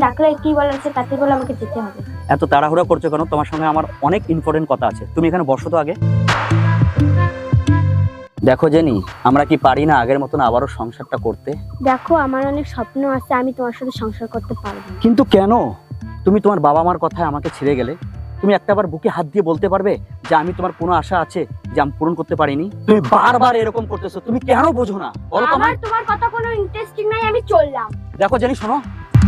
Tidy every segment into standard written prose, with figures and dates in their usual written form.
ডাকলে কি বলার আছে তাতে বলে আমাকে যেতে হবে। এত তাড়াহুড়া করছো কেন? তোমার সঙ্গে আমার অনেক ইম্পর্টেন্ট কথা আছে, তুমি এখানে বসো তো আগে। দেখো জেনি, আমরা কি পারি না আগের মতন আবারও সংসারটা করতে? দেখো আমার অনেক স্বপ্ন আছে, আমি তোমার সাথে সংসার করতে পারবো না। কিন্তু কেন? তুমি তোমার বাবা মার কথায় আমাকে ছেড়ে গেলে, তুমি একটাবার বুকে হাত দিয়ে বলতে পারবে যে আমি তোমার কোনো আশা আছে যে আমি পূরণ করতে পারিনি? তুমি বারবার এরকম করতেছো, তুমি কেন বোঝো না বলো তো আমার আমায়? তোমার কথা কোনো ইন্টারেস্টিং নাই, আমি চললাম। দেখো জেনি, শোনো,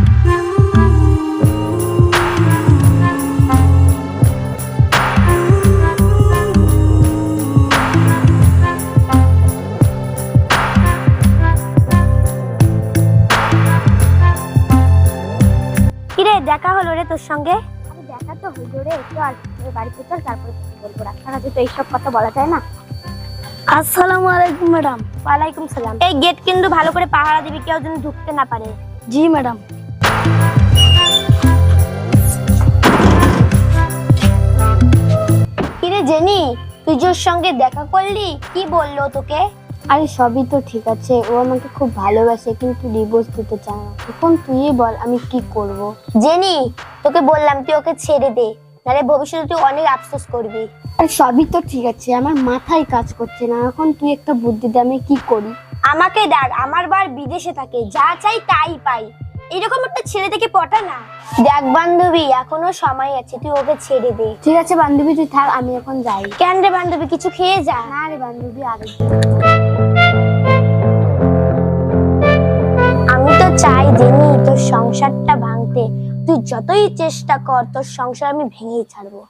কিরে দেখা হলো রে তোর সঙ্গে? আরে দেখা তো হইলো রে, একটু আর বাড়িতে চল, তারপরে বলবো। রাস্তাঘাটে তো এইসব কথা বলা যায় না। আসসালামু আলাইকুম ম্যাডাম। ওয়ালাইকুম সালাম। এই গেট কিন্তু ভালো করে পাহারা দিবি, কেউ যেন ঢুকতে না পারে। জি ম্যাডাম। কিরে জেনি, তুই ওর সঙ্গে দেখা করলি? কি বললো তোকে? আরে সবই তো ঠিক আছে, ও আমাকে খুব ভালোবাসে কিন্তু ডিভোর্স দিতে চায় না। এখন তুই বল আমি কি করব? জেনি, তোকে বললাম তুই ওকে ছেড়ে দে, নাহলে ভবিষ্যতে তুই অনেক আফসোস করবি। আরে সবই তো ঠিক আছে, আমার মাথায় কাজ করছে না। এখন তুই একটা বুদ্ধি দে, আমি কি করি? আমাকে দেখ, আমার বার বিদেশে থাকে, যা চাই তাই পাই। এরকম একটা ছেলে থেকে পটা না। দেখ বান্ধবী, এখনো সময় আছে, তুই ওকে ছেড়ে দে। ঠিক আছে বান্ধবী, তুই থাক, আমি এখন যাই। কেন রে বান্ধবী, কিছু খেয়ে যা। না রে বান্ধবী, আমি তো চাই জেনি তোর সংসারটা ভাঙতে। তুই যতই চেষ্টা কর, তোর সংসার আমি ভেঙেই ছাড়বো।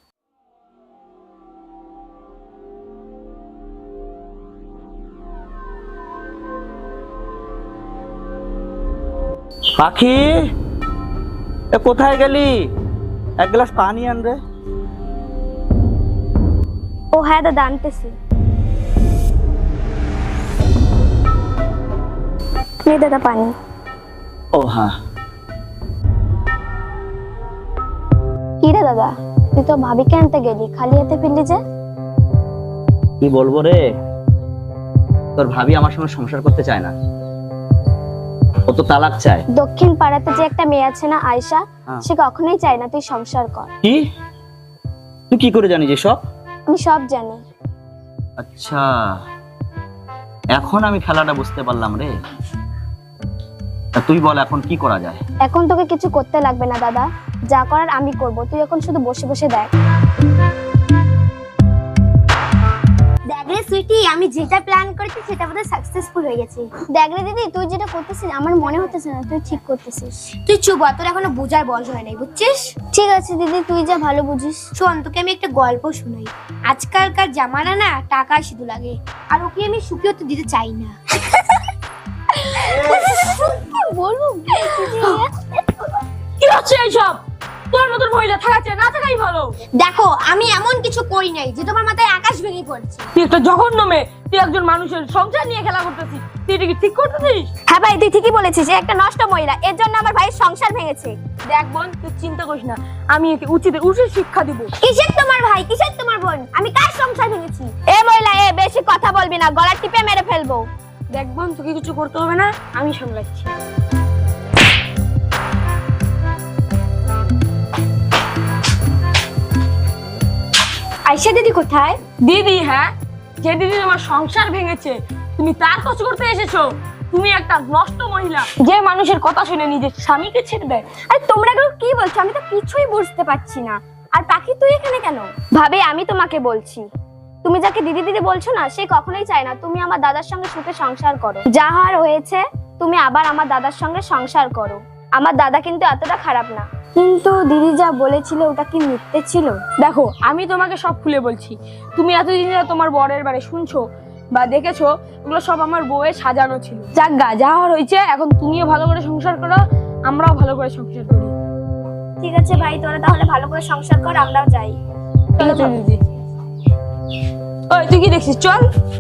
পাখি, এ কোথায় গেলি? এক গ্লাস পানি আন রে। ও হ্যাঁ দাদা, আনতেছি। নে দাদা পানি। ও হ্যাঁ। কি রে দাদা, তুই তো ভাবিকে আনতে গেলি, খালি হাতে ফিরলি যে? কি বলবো রে, তোর ভাবি আমার সঙ্গে সংসার করতে চায় না, ও তো তালাক চায়। দক্ষিণ পাড়াতে যে একটা মেয়ে আছে না, আয়শা, সে কখনোই চায় না তুই সংসার কর। কি? তুই কি করে জানিস এসব? আমি সব জানি। আচ্ছা, এখন আমি খেলাটা বুঝতে পারলাম রে। তা তুই বল এখন কি করা যায়? এখন তোকে কিছু করতে লাগবে না দাদা, যা করার আমি করব। তুই এখন শুধু বসে বসে দেখ। দেখ রে সুইটি, আমি যেটা প্ল্যান করেছি সেটা বোধহয় সাকসেসফুল হয়ে গেছে। দেখ রে দিদি, তুই যেটা করতেছিস আমার মনে হতেছে না তুই ঠিক করতেছিস। তুই চুপ, তোর এখনো বোঝার বয়স হয় নাই, বুঝছিস? ঠিক আছে দিদি, তুই যা ভালো বুঝিস। শোন, তোকে আমি একটা গল্প শোনাই। আজকালকার জামানা না টাকা শুধু লাগে, আর ওকে আমি সুখী হতে দিতে চাই না। বলবো কি হচ্ছে এইসব? তোর মতন মহিলা থাকাচ্ছে না থাকাই ভালো। দেখো, আমি এমন কিছু করি নাই যে তোমার মাথায় আকাশ ভেঙে পড়ছে। তুই একটা জঘন্য মেয়ে, তুই একজন মানুষের সংসার নিয়ে খেলা করতেছিস। তুই এটা কি ঠিক করতেছিস? হ্যাঁ ভাই, তুই ঠিকই বলেছিস, এ একটা নষ্ট মহিলা, এর জন্য আমার ভাইয়ের সংসার ভেঙেছে। দেখ বোন, তুই চিন্তা করিস না, আমি একে উচিত শিক্ষা দিব। কিসের তোমার ভাই, কিসের তোমার বোন? আমি কার সংসার ভেঙেছি? এ মহিলা, এ বেশি কথা বলবি না, গলা টিপে মেরে ফেলবো। দেখ বোন, তোকে কিছু করতে হবে না, আমি সামলাচ্ছি। আয়শা দিদি কোথায়? দিদি? হ্যাঁ, যে দিদি তোমার সংসার ভেঙেছে, তুমি তার কাজ করতে এসেছো। তুমি একটা নষ্ট মহিলা, যে মানুষের কথা শুনে নিজের স্বামীকে ছেড়ে দেয়। আরে তোমরা এগুলো কি বলছো? আমি তো কিছুই বুঝতে পারছি না। আর পাখি, তুই এখানে কেন? ভাবে, আমি তোমাকে বলছি, তুমি যাকে দিদি দিদি বলছো না, সে কখনোই চায় না তুমি আমার দাদার সঙ্গে সুখে সংসার করো। যা হওয়ার হয়েছে, তুমি আবার আমার দাদার সঙ্গে সংসার করো। আমার দাদা কিন্তু এতটা খারাপ না। কিন্তু দিদি যা বলেছিল ওটা কি মিথ্যে ছিল? দেখো, আমি তোমাকে সব খুলে বলছি। তুমি এতদিন যা তোমার বরের বারে শুনছো বা দেখেছো, ওগুলো সব আমার বউয়ের সাজানো ছিল। যাক গা, যা হওয়ার হয়েছে, এখন তুমিও ভালো করে সংসার করো, আমরাও ভালো করে সংসার করি। ঠিক আছে ভাই, তোরা তাহলে ভালো করে সংসার কর, আমরাও যাই। ঠিক আছে দিদি। ওই তুই কি দেখছিস? চল।